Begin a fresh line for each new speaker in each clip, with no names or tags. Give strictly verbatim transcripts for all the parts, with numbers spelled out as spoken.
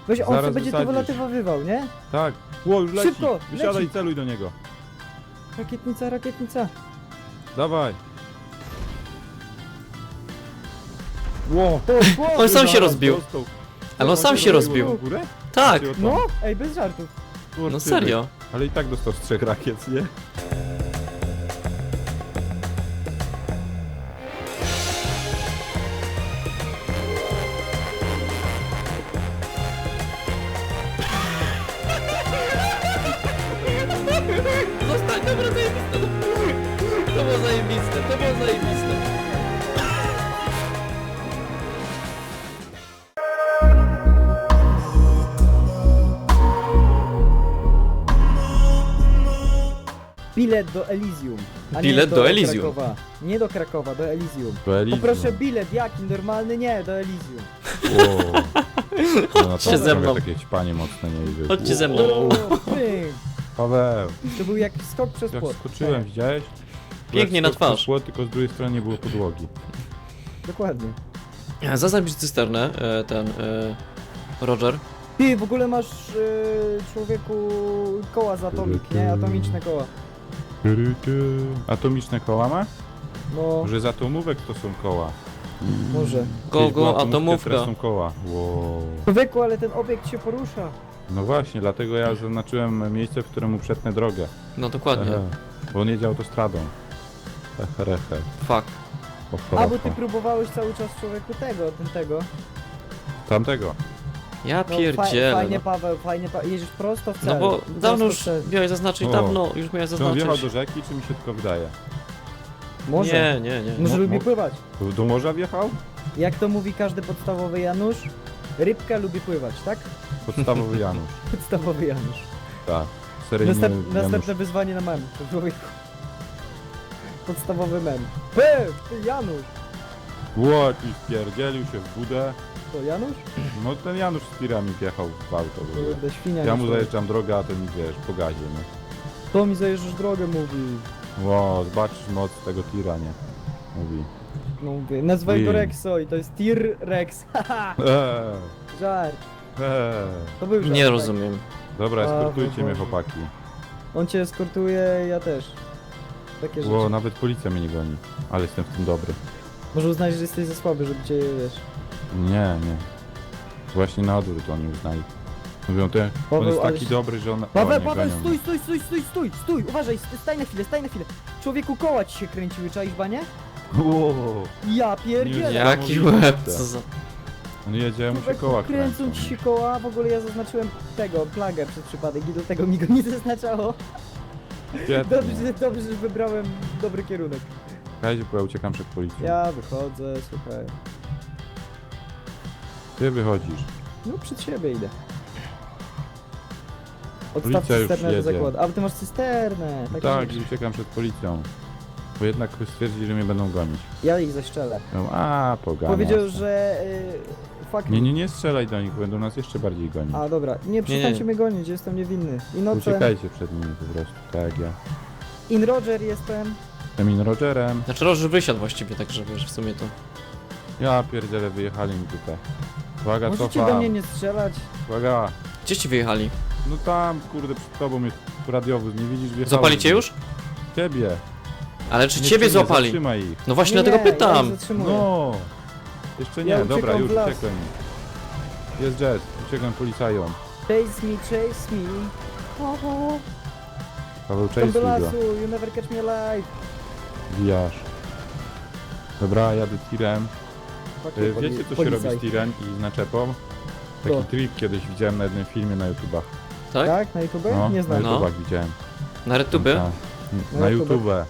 Weź, on
Zaraz
sobie będzie tu
wysadzisz.
wylatywowywał, nie?
Tak. Ło, już leci.
Szybko,
Wysiadaj
leci.
i celuj do niego.
Rakietnica, rakietnica.
Dawaj. Ło.
O, o,
On sam się
Zaraz
rozbił.
dostał.
Ale on sam się rozbił.
W górę?
Tak,
Czy o to?
No, ej, bez żartów.
Kurczę,
no serio.
Ale i tak dostał z trzech rakiet, nie?
Zostań, dobra, zajebiste. To było zajebiste, to było zajebiste.
Bilet do Elysium. A
Bilet
nie
do Elysium.
Krakowa. Nie do Krakowa, do Elysium.
To Elysium.
Poproszę bilet, jaki? Normalny? Nie, do Elysium.
Wow. No, no,
Chodźcie ze mną.
Takie ćpanie mocne nie idzie.
Chodźcie ze mną.
O, pyk.
Paweł,
To był jak skok przez
jak
płot.
skoczyłem, widziałeś?
Pięknie
Jak
na
skok przez
twarz.
Płot, tylko z drugiej strony nie było podłogi.
Tak, dokładnie.
Zaznacz cysternę, e, ten, e, Roger.
Ty, w ogóle masz, yy, człowieku, koła z atomik, nie? Atomiczne koła.
Tyry, ty. Atomiczne koła ma?
No,
Może z atomówek to są koła.
może.
Go,
Kiedyś była
go, atomówka.
Teraz są koła. Wow.
Człowieku, ale ten obiekt się porusza.
No właśnie, dlatego ja zaznaczyłem miejsce, w którym mu przetnę drogę.
No dokładnie.
Ehe. Bo on jedzie autostradą. Heherehe.
Fuck.
A, bo ty próbowałeś cały czas, człowieku, tego, ten tego.
Tamtego.
Ja
No, fa
pierdzielę.
fajnie,
No,
Paweł, fajnie, pa jedziesz prosto w cel.
no bo
Prosto
dawno
w
już
cel.
miałeś zaznaczyć,
O.
dawno już miałeś
Czy on wjechał
zaznaczyć.
do rzeki, czy mi się tylko wydaje?
Może.
Nie, nie, nie.
Może
Mo-
lubi
mo-
pływać.
Do morza wjechał?
Jak to mówi każdy podstawowy Janusz, rybka lubi pływać, tak?
Podstawowy Janusz.
Podstawowy Janusz.
Tak. Seryjny
Następ,
Janusz.
następne wyzwanie na mem, człowieku. Podstawowy mem. P, ty Janusz!
Ło, jakiś wpierdzielił się w budę.
To Janusz?
No ten Janusz z tirami wjechał w auto. w ogóle.
Kurde, świnia.
Ja
nie
mu
człowiek.
zajeżdżam drogę, a ten wiesz, po gazie, nie?
To mi zajeżdżasz drogę, mówi.
Ło, zobaczysz moc tego tira, nie? Mówi.
No mówię, nazwaj go
Ui.
Rexo i to jest Tir Rex. Haha,
Eee,
żart.
eee.
To był żart.
Nie
tak.
rozumiem.
Dobra,
A,
eskortujcie mnie,
Boże.
chłopaki.
On cię eskortuje, ja też. Takie rzeczy.
Ło, nawet policja mnie nie goni. Ale jestem w tym dobry.
Może uznać, że jesteś za słaby, żeby cię, wiesz...
Nie, nie. Właśnie na odwrót oni uznali. Mówią, te, on
Paweł,
jest
ale
taki
się-
dobry, że on...
Paweł,
o, nie
Paweł,
gonią
stój,
mnie.
stój, stój, stój, stój, stój, stój, uważaj, staj na chwilę, staj na chwilę. Człowieku, koła ci się kręciły, czaisz banie?
Ło,
Ja pierdzielę.
Nie,
Jaki
niesamowite.
łeb, co za...
on jedzie, mu się
Człowieku,
koła
kręcą
kręcą.
ci się koła, w ogóle ja zaznaczyłem tego, plagę przez przypadek i do tego mi go nie zaznaczało.
Świetnie.
Dobrze, dobrze, że wybrałem dobry kierunek.
Słuchajcie, bo ja uciekam przed policją.
Ja wychodzę, słuchaj.
Ty wychodzisz.
No przed siebie idę. Odstaw
Policja już
cysternę do
jedzie.
zakładu. A, bo ty masz cysternę. takie
Tak,
rzeczy.
i uciekam przed policją. Bo jednak stwierdzili, że mnie będą gonić.
Ja ich zastrzelę.
No, a, pogania.
Powiedział, że... Yy, fuck
Nie, nie, nie strzelaj do nich, będą nas jeszcze bardziej gonić.
A dobra, nie przestańcie
nie.
mnie gonić, jestem niewinny. I nocem,
Uciekajcie przed nimi po prostu, tak jak ja.
in Roger jestem.
Jestem in Rogerem.
Znaczy Roger wysiadł właściwie, także wiesz, w sumie to...
Ja pierdzielę, wyjechali mi tutaj. Uwaga,
Możecie
cofa.
do mnie nie strzelać.
Uwaga.
Gdzie ci wyjechali?
No tam, kurde, przed tobą jest radiowóz, nie widzisz? Wjechałem.
Złapali cię już?
Ciebie.
Ale czy
Nie,
ciebie
nie,
złapali?
Zatrzymaj ich.
No właśnie
nie,
dlatego
nie, Ja
pytam.
ich zatrzymuję.
No. Jeszcze nie,
Ja
dobra,
uciekam
już
w las.
uciekłem. Jest jazz, uciekam policajom.
Chase me, chase me. Oho.
Paweł,
Tam
chase
do
go.
lasu, you never catch me alive.
Wijasz. Dobra, jadę tirem.
Fuck
Y,
you, poli-
Wiecie co się
policaj.
robi z tirem i z naczepą? Taki
Co?
trik kiedyś widziałem na jednym filmie na YouTubach.
Tak?
Tak? Na YouTube?
No,
Nie
na
znam.
No.
YouTubach widziałem.
Na retubie?
Tak.
Na
Na
YouTubach.
YouTube.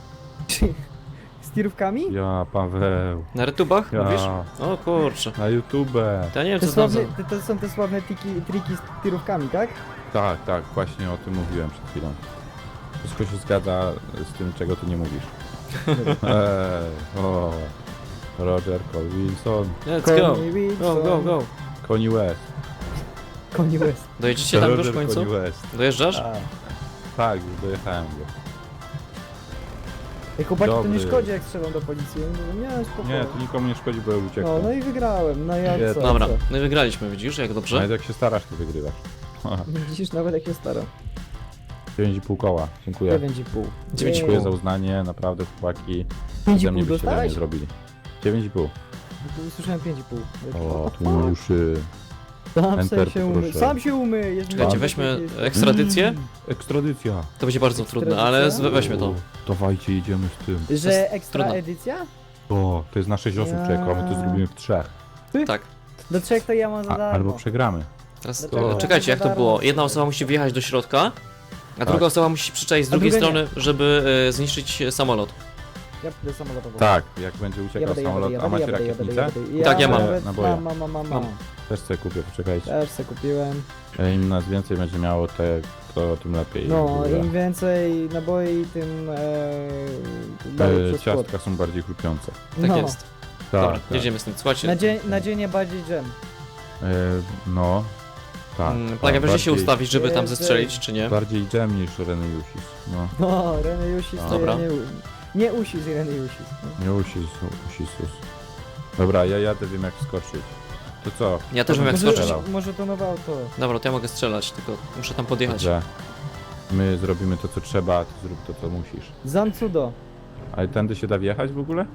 Z tirówkami?
Ja, Paweł.
Na retubach? Mówisz?
Ja,
O kurczę.
na YouTube.
To ja nie wiem
Te
co znam za...
sławne, te, to są te sławne tiki, triki z tirówkami, tak?
Tak, tak, właśnie o tym mówiłem przed chwilą. Wszystko się zgadza z tym, czego ty nie mówisz. Eee, o, Roger Cole Wilson,
Let's go.
Connie Wilson.
Go, go, go.
Koni West.
Connie West.
Dojedziecie tam już
Roger
w końcu?
Koni West.
Dojeżdżasz?
A,
Tak, już dojechałem go.
Ej, chłopaki, to nie
Dobry.
szkodzi, jak strzelam do policji. Ja mówię, nie, spokojnie.
Nie, to nikomu nie szkodzi, bo ja już
No,
uciekłem.
no i wygrałem, no jak
Nie,
co?
Dobra,
co?
no i wygraliśmy, widzisz, jak dobrze?
Nawet jak się starasz, to wygrywasz.
Widzisz, nawet jak się staram.
dziewięć i pół koła, dziękuję.
dziewięć i pół.
dziewięć i pół.
Dziękuję za uznanie, naprawdę chłopaki.
pięć i
Ze mnie
pół
byście tego nie
dostałeś?
zrobili. dziewięć i pół.
Usłyszałem pięć i pół.
O, tu uszy.
Sam
Enter,
się umy.
proszę.
Sam się umy. Jest
Czekajcie,
mi-
weźmy
jest-
ekstradycję.
Ekstradycja.
To będzie bardzo trudne, ale z- weźmy to.
O, dawajcie, jedziemy z tym.
jest
Że ekstra
trudno.
edycja?
O, to jest na sześć osób,
Ja.
czekaj, a my to zrobimy w trzech.
Tak.
Do trzech to ja mam za
A,
darmo.
albo przegramy.
Teraz
Dlaczego?
czekajcie, jak to było? Jedna osoba musi wjechać do środka, a druga osoba musi przyczaić z
A
drugiej
druga
strony, żeby e, zniszczyć e, samolot.
Ja pójdę samolotowo.
Tak, jak będzie
Ja
uciekał
będę, ja
samolot,
będę,
a
ja
macie
będę, ja będę,
rakietnicę?
ja będę.
Tak, ja mam.
nawet
Naboje.
Mam, mam, mam, mam.
Mam.
Też sobie kupię, poczekajcie.
Też se kupiłem.
E, Im nas więcej będzie miało, te, to tym lepiej.
No,
w ogóle.
im więcej naboi, tym e, dalej
E,
przez płot.
ciastka są bardziej chrupiące.
Tak
No.
jest.
Tak,
Dobra,
tak.
jedziemy z tym. Słuchajcie,
Na dzień, na dzień bardziej dżem.
E, no, tak.
mm,
tak,
Plaga, będzie się
bardziej-
ustawić, żeby tam
Jezu.
zestrzelić, czy nie?
Bardziej dżem niż Reny Jusis. No,
No, Reny Jusis to
Dobra.
ja nie, nie usis Reny Jusis. No.
nie Usis, Usisus. Dobra, ja jadę, wiem jak wskoczyć. To co?
Ja też wiem jak
może,
skoczyć.
skoczyć.
może to nowe auto.
Dobra, to ja mogę strzelać, tylko muszę tam podjechać.
Dobrze. My zrobimy to co trzeba, a ty zrób to co musisz.
Zancudo.
Ale tędy się da wjechać w ogóle?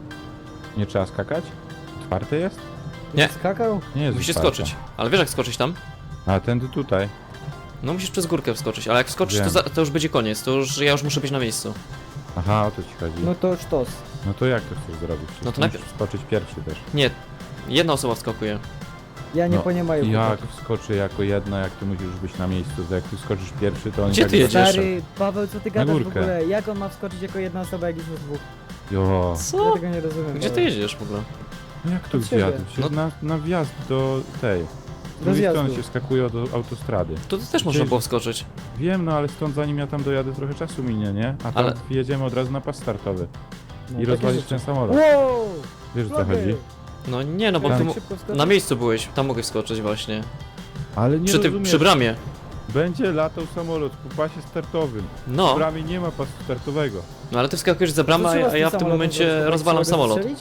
Nie trzeba skakać? Otwarte jest?
Nie.
Skakał?
Nie jest
Musisz
otwarte.
skoczyć. Ale wiesz jak skoczyć tam?
A tędy tutaj.
No musisz przez górkę wskoczyć, ale jak wskoczysz, to,
Wiem.
za, to już będzie koniec, to już ja już muszę być na miejscu.
Aha, o to ci chodzi.
No
No,
to sztos.
to jak to chcesz zrobić?
No to
Musisz
najpierw-
wskoczyć pierwszy też.
Nie, jedna osoba wskakuje.
Ja nie
No,
poniemaję.
Jak wskoczy jako jedna, jak ty musisz być na miejscu, to jak ty skoczysz pierwszy, to on
Gdzie
i tak
ty jedziesz?
Stary, Paweł, co ty gadasz w
górkę.
ogóle? Jak on ma wskoczyć jako jedna osoba, jak jest nas dwóch?
Jo.
Ja
Co?
tego nie rozumiem.
Gdzie ty
Paweł.
jedziesz w ogóle?
No jak to
Od
gdzie
siebie.
jadę? Przecież
No-
na, na wjazd do tej. Z
Do
drugiej
zjazdu.
strony się wskakuje do autostrady.
Tu też można było wskoczyć.
Wiem, no ale stąd zanim ja tam dojadę trochę czasu minie, nie? A tam
Ale-
jedziemy od razu na pas startowy.
No,
I
takie
rozwalić
rzeczy.
ten samolot.
Wow!
Wiesz o co
Flagę!
chodzi?
No nie, no bo
Tak.
ty
Tak
mu...
szybko wskoczyć?
na miejscu byłeś, tam mogę wskoczyć właśnie.
Ale nie
Przy, tym,
rozumiesz.
przy bramie.
Będzie latał samolot po pasie startowym. W
No,
bramie nie ma pasu startowego.
no ale ty wskakujesz za bramę,
Co trzeba z
a ja w tym
samolotem
momencie
zrobić?
rozwalam
Trzeba go
samolot.
zastrzelić?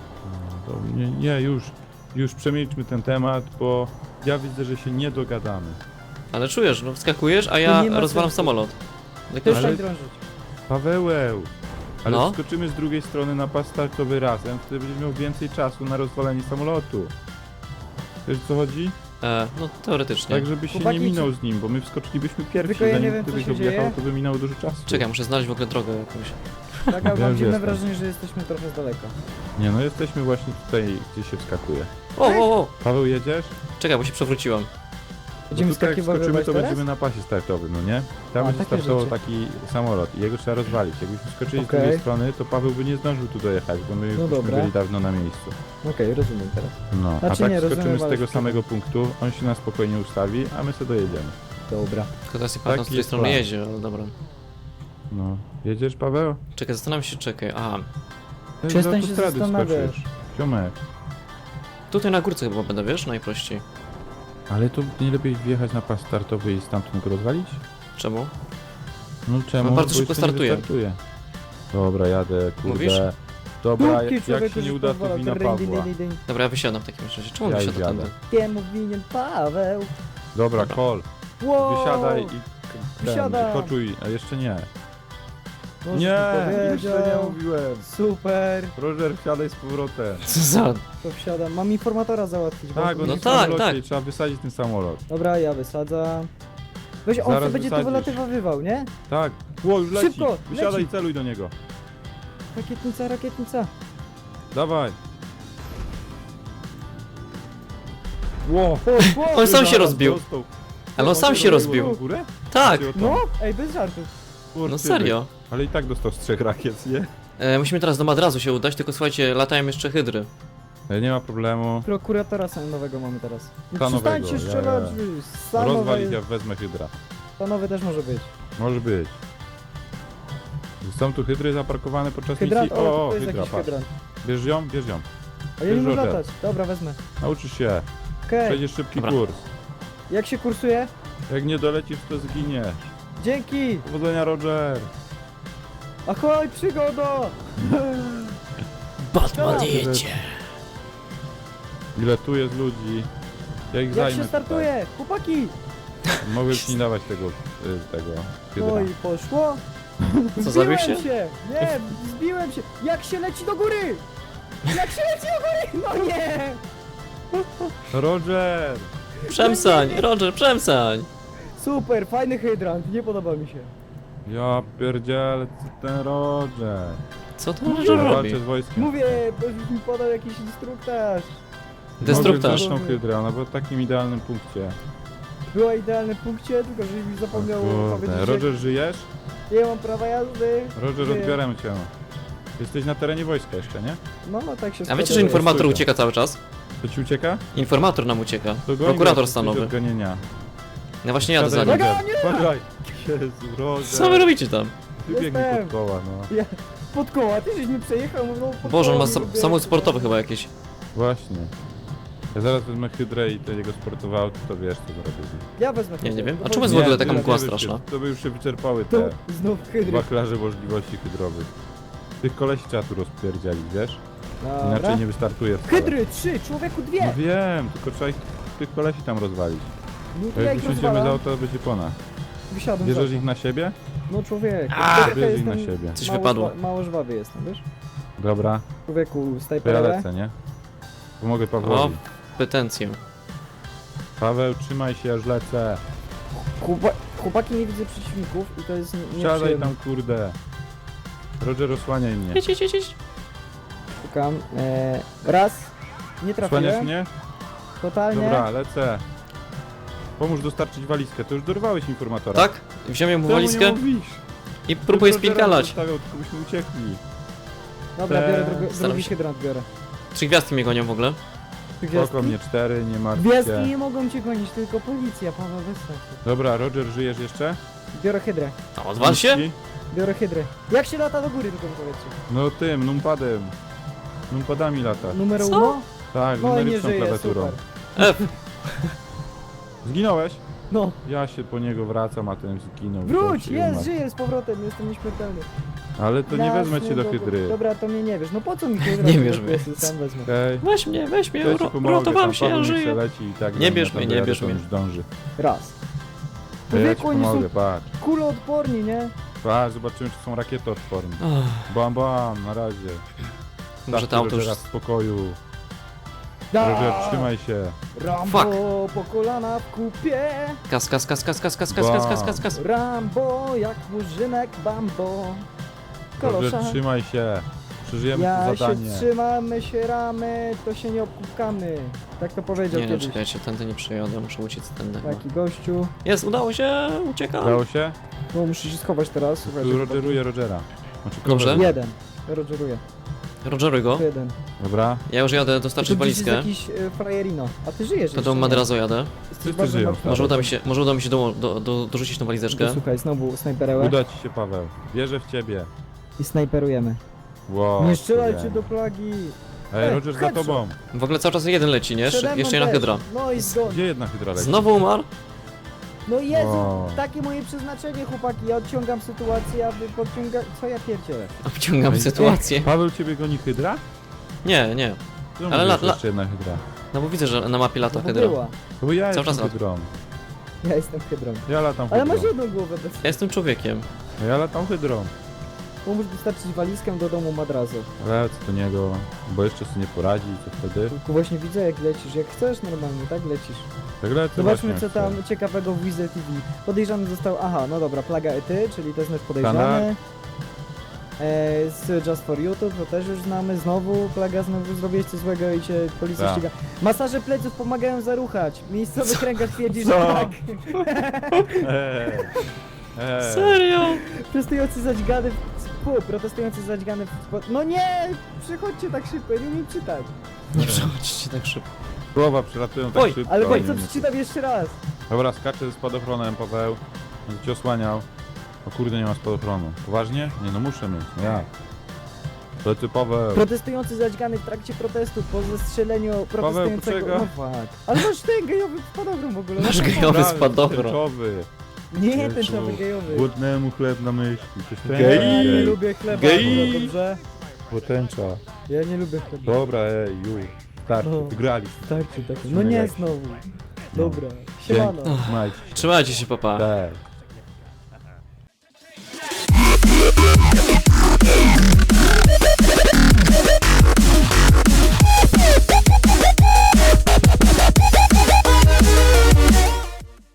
To nie, nie, już. Już przemilczmy ten temat, bo ja widzę, że się nie dogadamy.
Ale czujesz, no wskakujesz, a
To
ja
nie ma
rozwalam
sensu.
samolot. Jak
Też
już-
Ale-
tak drążyć.
Pawełeł! Ale
No.
wskoczymy z drugiej strony na pas startowy razem, wtedy będziesz miał więcej czasu na rozwalenie samolotu. Wiesz o co chodzi?
E, no teoretycznie.
Tak, żebyś się
Chłopaki,
nie minął
czy-
z nim, bo my wskoczylibyśmy pierwsi,
Tylko ja nie
zanim
wiem, co
gdybyś
się
objechał,
dzieje.
to by minęło dużo czasu.
Czekaj, muszę znaleźć w ogóle drogę jakąś.
Tak, ale
Ja
mam
już
dziwne
jestem.
wrażenie, że jesteśmy trochę z daleka.
Nie no, jesteśmy właśnie tutaj, gdzie się wskakuje.
O, o, o!
Paweł, jedziesz?
Czekaj, bo się przewróciłem.
Będziemy
no tutaj jak
wskakiwać
wskoczymy, to
teraz?
będziemy na pasie startowym, no nie? Tam
A,
będzie
takie
startował
rzeczy.
taki samolot i jego trzeba rozwalić. Jakbyśmy skoczyli
Okej.
z drugiej strony, to Paweł by nie zdążył tu dojechać, bo my już
No
byśmy
dobra.
byli dawno na miejscu.
Okej, rozumiem teraz.
No,
Znaczy
a tak
nie, rozumiem,
skoczymy z
ale
tego
szkoda.
samego punktu, on się na spokojnie ustawi, a my sobie dojedziemy.
Dobra.
Tylko teraz nie pamiętam, z której
jest
strony
plan.
jedzie, ale dobra.
No. Jedziesz, Paweł?
Czekaj, zastanawiam się, czekaj. Aha,
Ty z
Przestań się
autostrady
zastanawiać.
skoczysz. Ziomek.
tutaj na górce chyba będę, wiesz, najprościej.
Ale to nie lepiej wjechać na pas startowy i stamtąd go rozwalić?
Czemu?
No czemu?
No bardzo
Bo
szybko
jeszcze nie
startuje.
wystartuje. Dobra, jadę, kurde.
Mówisz?
Dobra,
Dupki,
jak, jak
człowieku,
się nie
że
uda, to
pozwala.
wina
Ding, ding,
Pawła.
ding, ding.
Dobra, ja wysiadam w takim razie. Czemu
Ja
wysiadam
już
tędy?
jadę.
Kiemu winien Paweł?
Dobra,
Dobra.
kol.
Wow!
Wysiadaj i
Wysiadam.
ten, koczuj, a jeszcze nie.
Możesz
Nie,
mi
jeszcze nie
powiedział.
mówiłem.
Super,
Roger, wsiadaj z powrotem.
Co za...
to wsiadam. Mam informatora załatwić.
Tak,
bo-
on
No
jest
tak,
w samolocie
tak.
i trzeba wysadzić ten samolot.
Dobra, ja wysadzam. Weź, on
Zaraz
sobie będzie tu
wysadzisz.
wylatywał, nie?
Tak. Ło, już leci.
Szybko,
Wysiadaj
leci.
i celuj do niego.
Rakietnica, rakietnica.
Dawaj. Ło.
O, o,
On sam się
Zaraz
rozbił.
dostał.
Ale on sam się
rozbił.
rozbił.
W górę?
Tak!
Czy o tam?
No, ej, bez żartów.
Kurczę,
No serio.
Ale i tak dostał z trzech rakiet, nie?
E, musimy teraz do Madrazu się udać, tylko słuchajcie, latają jeszcze hydry.
E, Nie ma problemu.
Prokuratora nowego mamy teraz.
Stanowego,
Przestańcie
ja,
strzelać,
ja.
wy.
Rozwalić,
Stanowy,
ja wezmę hydra.
stanowy też może być.
Może być. Są tu hydry zaparkowane podczas
Hydrant,
misji?
o,
O, o,
to jest
hydra,
jakiś
patrz.
hydrant.
Bierz ją, bierz ją.
A ja nie
Bierz
mogę
Roger.
latać. Dobra, wezmę.
Nauczysz się.
Okej,
Przejdziesz szybki
Dobra.
kurs.
jak się kursuje?
Jak nie dolecisz, to zginiesz.
Dzięki!
Powodzenia, Roger.
Ahoj, przygoda!
Batman
Tak.
jedzie.
Ile tu jest ludzi? Ja ich
Jak
zajmę
się startuje? Chłopaki!
tutaj. Mogę ci nie dawać tego, y, tego hydra.
No i poszło.
Co, zabił
Zbiłem
się?
się! Nie, zbiłem się! Jak się leci do góry! Jak się leci do góry! No nie!
Roger!
Przemsań, Roger, przemsań.
Super, fajny hydrant, nie podoba mi się.
Ja pierdzielę, co ten Roger?
Co to Roger robi?
Walczę z wojskiem.
Mówię, bo już mi podał jakiś instruktaż.
Destruktaż.
Mogę zresztą hydrę, ona była w takim idealnym punkcie.
Była idealnym punkcie, tylko żeś mi zapomniał
O
powiedzieć,
kurde. Roger, żyjesz?
że nie mam prawa jazdy.
Roger,
Żyję.
odbieramy cię. Jesteś na terenie wojska jeszcze, nie?
No, no tak się
A wiecie,
składa,
że informator
stójka.
ucieka cały czas?
To ci ucieka?
Informator nam ucieka.
To goń
Prokurator
go, jesteś
stanowy.
od gonienia.
No właśnie jadę za
Siadaj,
nim.
Roger. Uważaj! Jezu, Roger!
Co wy robicie tam?
Ty biegnij
Jestem.
pod koła, no.
Ja, pod koła, ty żeś mi przejechał, no pod
Boże, on
koła
ma
mi
sam,
robię.
samochód sportowy chyba jakiś.
Właśnie. Ja zaraz wezmę hydrę i ten jego sportowy auto, to wiesz co zrobię. z nim.
Ja wezmę
Nie, nie
hydrę.
wiem. A
To
czemu jest w
chodzi-
ogóle taka
tyle
mgła
nie
straszna?
wyszczy- To by już się wyczerpały
Tu,
te
znów hydry.
wachlarze możliwości hydrowych. Tych kolesi trzeba tu rozpierdzielić, wiesz? Inaczej
Dobra.
nie wystartuje wcale.
Hydry, trzy, człowieku
No
dwie.
wiem, tylko trzeba ich, tych kolesi tam rozwalić.
No
Bo
to ja
jak
ich
wysiądziemy z
rozwalam.
auta, to będzie pona.
Wysiadłem
Bierzesz
z
ich
auta.
na siebie?
No człowiek.
A!
Człowiek,
Bierz ich
jestem
na siebie.
Coś
mało
wypadło.
żwa- Mało żwawy jestem, wiesz?
Dobra,
Człowieku,
to ja
snajperę.
lecę, nie? Pomogę
O,
Pawłowi.
petencję.
Paweł, trzymaj się, aż lecę.
Chłopa chłopaki, nie widzę przeciwników i to jest nie-
Siadaj
nieprzyjemne.
tam, kurde. Roger, osłaniaj mnie.
Jedź, jedź, jedź, jedź.
Szukam. E, raz. Nie
Osłaniasz
trafiłem.
mnie?
Totalnie.
Dobra, lecę. Pomóż dostarczyć walizkę. To już dorwałeś informatora.
Tak? Wziąłem mu
Czemu
walizkę
nie mówisz?
i próbuję
Rogera
spinkalać.
zostawiał, tylko byśmy uciekli.
Dobra,
Te-
biorę drugi,
Staram
drugi
się.
hydrant, biorę.
Trzy gwiazdki mnie gonią w ogóle.
Spoko mnie cztery, nie martw
Gwiazdki
się.
nie mogą cię gonić, tylko policja, Paweł, wystarczy.
Dobra, Roger, żyjesz jeszcze?
Biorę hydrę.
A odwal się?
Miski?
Biorę hydrę. Jak się lata do góry, tylko mi powiedzcie.
No tym, numpadem. Numpadami lata.
Numer
Co?
uno?
Tak,
No i nie
numeryczną
żyje,
klawiaturą.
super.
F.
Zginąłeś?
No,
Ja się po niego wracam, a ten zginął.
wróć,
Się
jest,
umarł.
żyję z powrotem, jestem nieśmiertelny.
Ale to nie
Jasne,
wezmę cię do
dobra.
hydry.
Dobra, to mnie nie wiesz. No po co mi hydra?
Nie
To
bierz
po
mnie.
prostu Sam wezmę.
Okej.
Weź mnie, weź mnie,
Ja ci
ro-
pomogę,
uratowałem
tam
się, ja
Paweł niech se
żyję.
leci i tak
Nie
tam
bierz
na
mnie,
tabelę,
nie bierz
to
mnie.
już dąży.
Raz.
To ja ci
Człowieku, oni
pomogę,
są
patrz.
kuloodporni, nie?
Patrz, zobaczymy czy są rakietoodporni.
Ach,
Bam, bam, na razie.
może to
Zostawcie
auto już...
Rogera w spokoju.
Da!
Roger, trzymaj się.
Rambo
Fuck.
po kolana w kupie.
Kas, kas, kas, kas, kas, kas, kas, kas, kas, kas, kas.
Rambo jak murzynek Bambo.
Roger,
Kolosza.
trzymaj się. Przeżyjemy
Ja
to
się
zadanie.
trzymamy, się ramy, to się nie obkupkamy. Tak to powiedział
Nie, no
kiedyś.
czekajcie, tędy nie przejadę, muszę uciec tędy. chyba.
Taki gościu.
Jest, udało się, uciekam.
Udało się?
No muszę się schować teraz. Słuchaj,
Tu Rogeruję Rogera. Znaczy,
Dobrze.
coveruję.
Jeden. Rogeruję.
Rogeruj go.
To jeden.
Dobra.
Ja już jadę
To
dostarczyć
gdzieś jest
walizkę.
jakiś e, frajerino. A ty żyjesz
To
jeszcze,
do
nie?
Madrazo jadę.
Jesteś
Wszyscy
bardzo
żyją,
martwy.
tak.
Może uda mi się, może uda mi się do, do, do, dorzucić tą walizeczkę.
To Słuchaj, znowu snajperełę
Uda ci się, Paweł. Wierzę w ciebie.
i snajperujemy.
Wow.
Nie strzelajcie
wiem.
do plagi.
Ej,
Ej,
Roger za
headshot.
tobą.
W ogóle cały czas jeden leci, nie?
Przede
Jeszcze,
mną
jeszcze jedna
też.
hydra.
No i zgon.
Gdzie jedna hydra leci?
Znowu umarł?
No Jezu,
Wow.
takie moje przeznaczenie, chłopaki. Ja odciągam sytuację, a wy podciąga... Co ja pierdzielę?
Obciągam
Ej.
sytuację.
Paweł, ciebie goni hydra?
Nie, nie.
No
Ale
Ale
la-
la,
la-
jeszcze jedna hydra.
No bo widzę, że na mapie lata
No bo
hydra.
była.
To bo ja
Cały
jestem
czas lat.
hydrą.
Ja jestem hydrą.
Ja latam
Ale
hydrą.
masz jedną głowę bez...
Ja jestem człowiekiem.
Ja latam hydrą.
Pomóż dostarczyć walizkę do domu Madrazo.
Lecę do niego, bo jeszcze sobie nie poradzi, co wtedy?
Tylko właśnie widzę jak lecisz. Jak chcesz normalnie, tak lecisz.
Tak lecę
Zobaczmy
właśnie,
co tam
chcę.
ciekawego w Wizard T V. Podejrzany został... Aha, no dobra, Plaga Ety, czyli to jest nasz podejrzany.
Standard.
E, z Just for YouTube, to też już znamy. Znowu Plaga, znowu zrobiłeś coś złego i cię policja
Tak.
ściga. Masaże pleców pomagają zaruchać. Miejscowy kręgarz twierdzi, że
Co?
tak.
Eee. Eee.
Serio?
Protestujący zadźgany w... Pu, protestujący zadźgany w... No nie! Przychodźcie tak szybko, ja nie umiem czytać.
Nie przechodźcie tak szybko.
Słowa przylatują tak
Oj,
szybko.
Ale
nie
weź co
wiem,
przeczytam jeszcze raz.
Dobra, skaczę ze spadochronem, Paweł. Będę cię osłaniał. O kurde, nie ma spadochronu. Poważnie? Nie no, muszę mieć, no jak? Lecę, Paweł.
Protestujący zadźgany w trakcie protestu po zestrzeleniu protestującego...
poczekaj.
No fuck. Ale masz ten gejowy spadochron w ogóle.
Masz
no to-
gejowy
Dobra,
spadochron.
tęczowy.
Nie, ten człowiek gejowy.
Głodnemu chleb na myśli.
Gej.
Ja nie lubię chleba,
Gej.
akurat, dobrze?
Potęcza.
Ja nie lubię chleba.
Dobra, ej, już. Starczy,
No.
wygrali.
Starczy tak. No nie znowu. Dobra,
Dzięki.
siemano.
Trzymajcie.
Trzymajcie się, papa.
Cześć.